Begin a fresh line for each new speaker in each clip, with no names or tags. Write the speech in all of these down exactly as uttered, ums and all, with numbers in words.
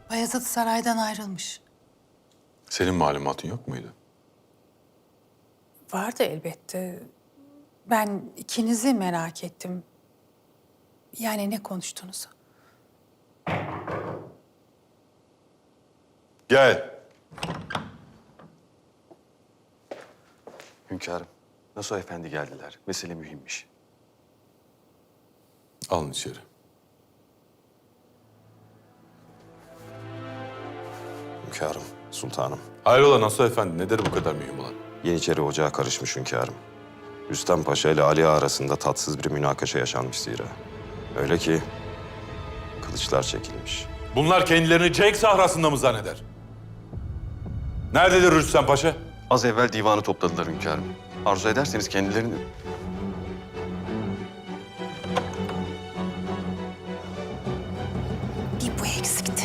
Bayezid saraydan ayrılmış.
Senin malumatın yok muydu?
Vardı elbette. Ben ikinizi merak ettim. Yani ne konuştunuz?
Gel.
Hünkârım, Nasuh Efendi geldiler. Mesele mühimmiş.
Alın içeri.
Hünkârım, sultanım.
Hayrola Nasuh Efendi, nedir bu kadar mühim olan?
Yeniçeri ocağa karışmış hünkârım. Rüstem Paşa ile Ali Ağa arasında tatsız bir münakaşa yaşanmış zira. Öyle ki kılıçlar çekilmiş.
Bunlar kendilerini Cenk sahrasında mı zanneder? Nerededir Rüstem Paşa?
Az evvel divanı topladılar hünkârım. Arzu ederseniz kendilerini...
Bir bu eksikti.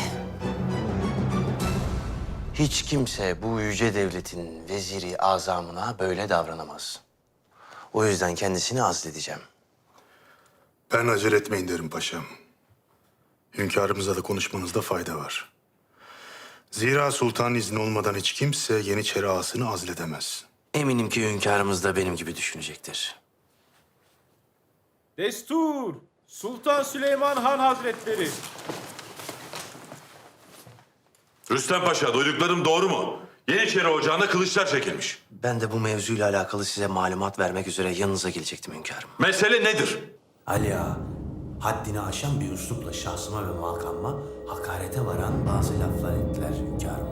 Hiç kimse bu yüce devletin veziri azamına böyle davranamaz. O yüzden kendisini azledeceğim.
Ben acele etmeyin derim paşam. Hünkârımızla da konuşmanızda fayda var. Zira sultanın izni olmadan hiç kimse Yeniçeri ağasını azledemez.
Eminim ki hünkârımız da benim gibi düşünecektir.
Destur! Sultan Süleyman Han Hazretleri!
Rüstem Paşa, duyduklarım doğru mu? Yeniçeri ocağında kılıçlar çekilmiş.
Ben de bu mevzuyla alakalı size malumat vermek üzere yanınıza gelecektim hünkârım.
Mesele nedir?
Ali Ağa, haddini aşan bir üslupla şahsıma ve makamıma hakarete varan bazı laflar ettiler hünkârım.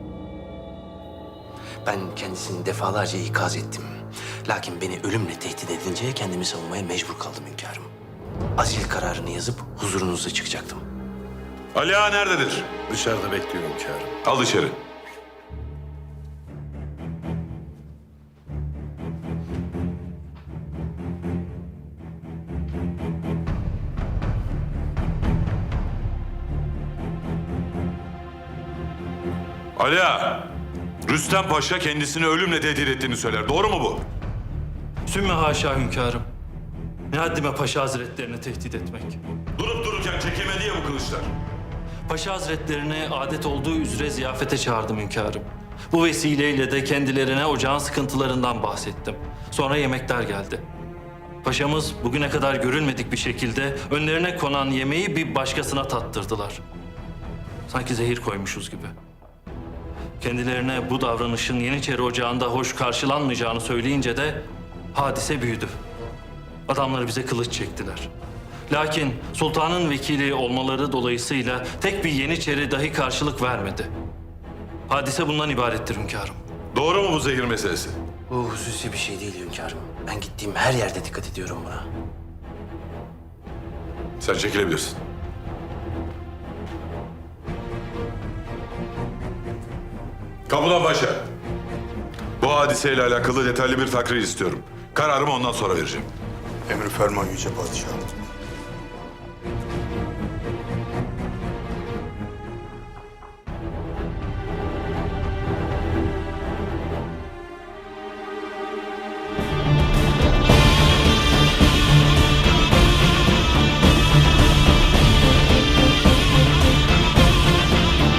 Ben kendisini defalarca ikaz ettim. Lakin beni ölümle tehdit edince kendimi savunmaya mecbur kaldım hünkârım. Azil kararını yazıp huzurunuza çıkacaktım.
Ali Ağa nerededir?
Dışarıda bekliyor hünkârım.
Al içeri. Ali Ağa, Rüstem Paşa kendisini ölümle tehdit ettiğini söyler. Doğru mu bu?
Sümme haşa hünkârım. Ne haddime Paşa Hazretlerini tehdit etmek.
Durup dururken çekilmedi ya bu kılıçlar.
Paşa Hazretlerini adet olduğu üzere ziyafete çağırdım hünkârım. Bu vesileyle de kendilerine ocağın sıkıntılarından bahsettim. Sonra yemekler geldi. Paşamız bugüne kadar görülmedik bir şekilde önlerine konan yemeği bir başkasına tattırdılar. Sanki zehir koymuşuz gibi. Kendilerine bu davranışın Yeniçeri Ocağı'nda hoş karşılanmayacağını söyleyince de hadise büyüdü. Adamları bize kılıç çektiler. Lakin sultanın vekili olmaları dolayısıyla tek bir Yeniçeri dahi karşılık vermedi. Hadise bundan ibarettir hünkârım.
Doğru mu bu zehir meselesi?
Bu hususi bir şey değil hünkârım. Ben gittiğim her yerde dikkat ediyorum buna.
Sen çekilebilirsin. Kapıdan Paşa. Bu hadiseyle alakalı detaylı bir takrir istiyorum. Kararımı ondan sonra vereceğim.
Emri ferman yüce padişahım.